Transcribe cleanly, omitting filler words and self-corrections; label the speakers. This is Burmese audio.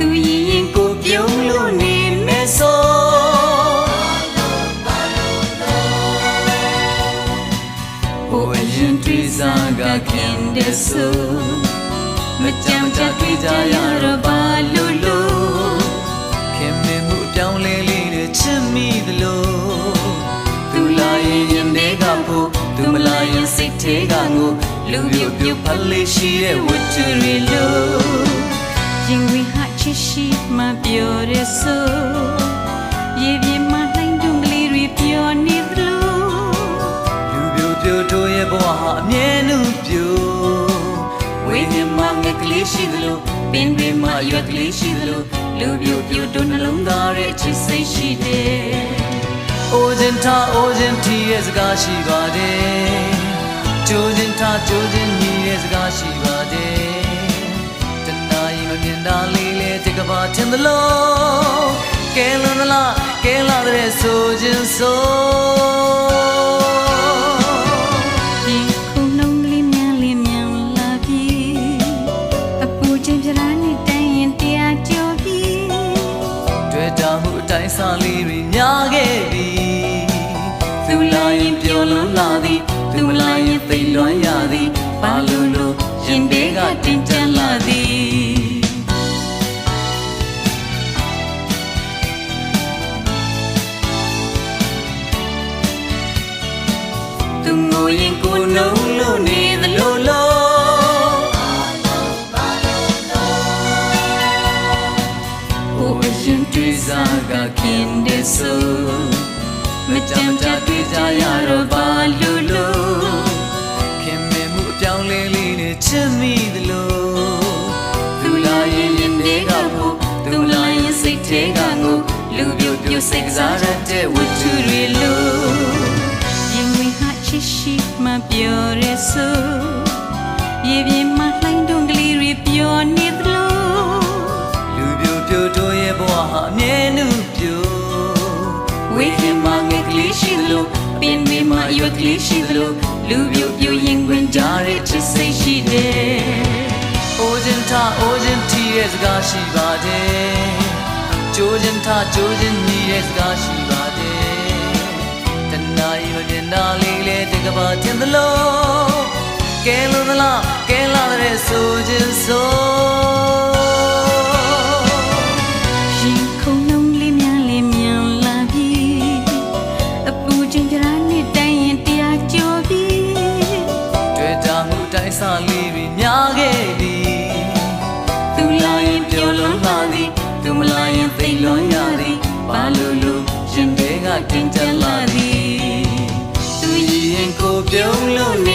Speaker 1: သူရင်ကိုပြုံးလို့နေမယ်ဆိုဟိုအရင်တွေ့စားကခင်တဲ့ဆိုမကြမ်းကြတွေ့ကြရတော့ဘာလို့လို့ခင်မင်းမှုအပြောင်းလဲလေးနဲ့ချစ်မိသလိုသူလာရင်ရင်တွေကဖို့သူမလာရင်စိတ်ထဲကငိုလူပြုတ်ပြုတ်ဖလေးရှိတဲ့ဝတ္ထုတွေလို့ရင်ဝင်ဟာချစ်ရှိမှပြောရဆိုရေပြင်းမှလှိုင်းတွန်းကလေးတွေပြောနေသလိုလူပြုတ်ပြုတ်တို့ရဲ့ဘဝဟာအမြဲတမ်းပြုဝိညာဉ်မှာငက်ကလေးရှိသလိုပင်တွေမှာရွက်ကလေးရှိသလိုလူပြုတ်ပြုတ်တို့နှလုံးသားရဲ့ချစ်စိတ်ရှိတယ်အိုခြင်းထားအိုခြင်းထီရဲ့စကားရှိပါတယ်ကြိုးခြင်းထားကြိုးခြင်းညီရဲ့စကားရှိပါတယ်တနာရီမမြင်တာလေးလေတကဘာထင်သလိုကဲလွန်သလားကဲလာတဲ့ဆိုခြင်းဆိုဒီခုနှုံးလေးမြန်လာပြီအပူချင်းပြလာနေတိုင်းရင်တရားကြော်ပြီတွေ့တာမှုအတိုင်းစားလေးတွေများခဲ့ပြီသူလာရင်ပြောလို့လာသည်သူမလာရင်သိလွန်ရသည်ဘာလို့လို့ရင်တွေကတင်ကြလာသည်သူငိုရင်ကိုနှုံးလို့နေသလိုလို့ဟိုအရင်တွေ့စားကခင်တဲ့ဆိုမကြမ်းကြတွေ့ကြရတော့ဘာလို့လို့ခင်မင်းမှုအပြောင်းလဲလေးနဲ့ချစ်မိသလိုသူလာရင်ရင်တွေကဖို့သူလာရင်စိတ်ထဲကငိုလူပြုတ်ပြုတ်စိတ်ကစားရတဲ့ဝတ္ထုတွေလို့ရင်ဝင်ဟာချစ်ရှိမှပြောရဆိုရေပြင်းမှလှိုင်းတွန်းကလေးတွေပြောနေသလိုလူပြုတ်ပြုတ်တို့ရဲ့ဘဝဟာအမြဲတမ်းပြုဝိညာဉ်မှာငယ်ကလေးရှိသလိုပင်တွေမှာရွက်ကလေးရှိသလိုလူပြုတ်ပြုတ်ရင်ဝင်ကြတဲ့ချစ်စိတ်ရှိတယ်။အိုခြင်းထားအိုခြင်းထီရဲ့စကားရှိပါတယ်။ကြိုးခြင်းထားကြိုးခြင်းညီရဲ့စကားရှိပါတယ်။တနာရီမမြင်တာလေးလေတကဘာထင်သလိုကဲလို့သလားကဲလာတဲ့ဆိုခြင်းဆိုစာလေးတွေများခဲ့ပြီသူလာရင်ပြောလို့လာသည်သူမလာရင်သိလွန်ရသည်ဘာလို့လို့ရှင်တွေကတင်ကြလာသည်သူရင်ကိုပြုံးလို့